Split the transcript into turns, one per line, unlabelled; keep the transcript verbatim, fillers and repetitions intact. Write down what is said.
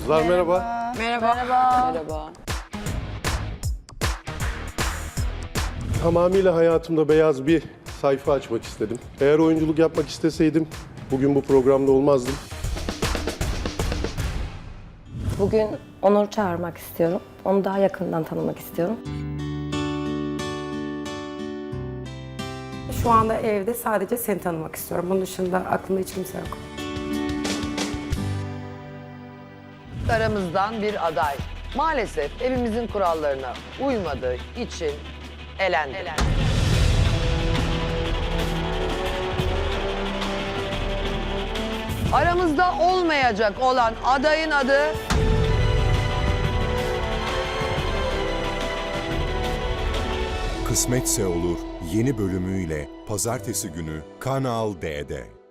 Kızlar merhaba.
Merhaba. Merhaba. Merhaba.
Tamamıyla hayatımda beyaz bir sayfa açmak istedim. Eğer oyunculuk yapmak isteseydim bugün bu programda olmazdım.
Bugün Onur'u çağırmak istiyorum. Onu daha yakından tanımak istiyorum.
Şu anda evde sadece seni tanımak istiyorum. Bunun dışında aklımda hiç kimse yok.
Aramızdan bir aday. Maalesef evimizin kurallarına uymadığı için elendi. Aramızda olmayacak olan adayın adı...
Kısmetse Olur yeni bölümüyle pazartesi günü Kanal D'de.